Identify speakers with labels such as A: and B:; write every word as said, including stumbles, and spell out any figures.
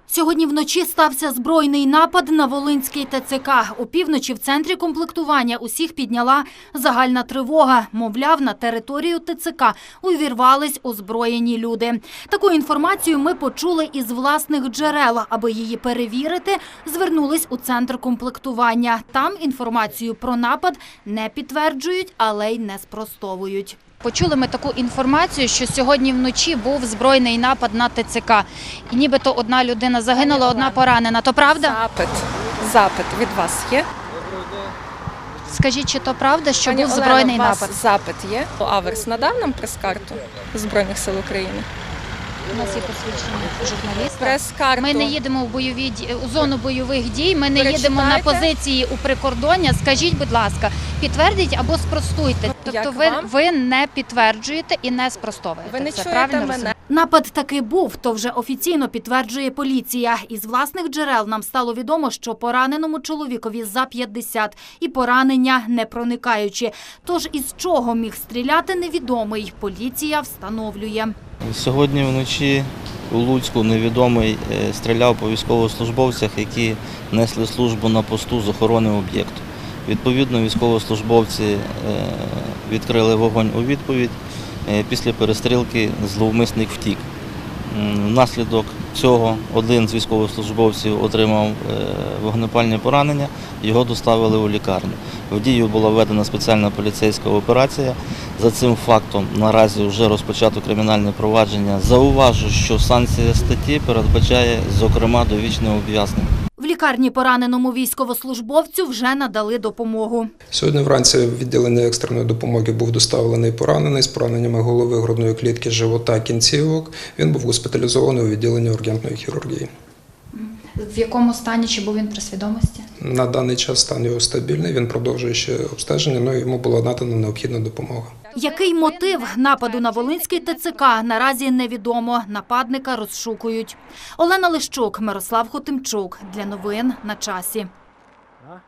A: Сьогодні вночі стався збройний напад на Волинський ТЦК. Опівночі в центрі комплектування усіх підняла загальна тривога. Мовляв, на територію ТЦК увірвались озброєні люди. Таку інформацію ми почули із власних джерел. Аби її перевірити, звернулись у центр комплектування. Там інформацію про напад не підтверджують, але й не спростовують. Почули ми таку інформацію, що сьогодні вночі був збройний напад на ТЦК. І нібито одна людина загинула, одна поранена. То правда?
B: Запит. Запит від вас є?
A: Скажіть, чи то правда, що
B: Пані
A: був
B: Олено,
A: збройний
B: у вас
A: напад?
B: запит є? Аверс надав нам прес-карту Збройних сил України?
A: У нас є посвідчення журналіста.
B: Прес-карту.
A: Ми не їдемо в бойові ді- у зону бойових дій, ми не їдемо на
B: Перечитайте.
A: позиції у прикордоння. Скажіть, будь ласка, підтвердіть або спростуйте. Тобто
B: Як
A: ви,
B: вам?
A: ви не підтверджуєте і не спростовуєте.
B: Ви не
A: Це
B: чуєте
A: правильно
B: мене?
A: розумію? Напад таки був, то вже офіційно підтверджує поліція. Із власних джерел нам стало відомо, що пораненому чоловікові за п'ятдесят і поранення не проникаючі. Тож із чого міг стріляти невідомий, поліція встановлює.
C: Сьогодні вночі у Луцьку невідомий е, стріляв по військовослужбовцях, які несли службу на посту з охорони об'єкту. Відповідно, військовослужбовці е, відкрили вогонь у відповідь. Е, Після перестрілки зловмисник втік. М, Внаслідок цього один з військовослужбовців отримав е, вогнепальне поранення, його доставили у лікарню. В дію була введена спеціальна поліцейська операція. За цим фактом наразі вже розпочато кримінальне провадження. Зауважу, що санкція статті передбачає, зокрема, довічне ув'язнення.
A: В лікарні пораненому військовослужбовцю вже надали допомогу.
D: Сьогодні вранці в відділення екстреної допомоги був доставлений поранений з пораненнями голови, грудної клітки, живота, кінцівок. Він був госпіталізований у відділенні ургентної хірургії.
A: В якому стані, чи був він при свідомості?
D: На даний час стан його стабільний, він продовжує ще обстеження, але йому була надана необхідна допомога.
A: Який мотив нападу на Волинський ТЦК, наразі невідомо. Нападника розшукують. Олена Лищук, Мирослав Хотимчук. Для новин на часі.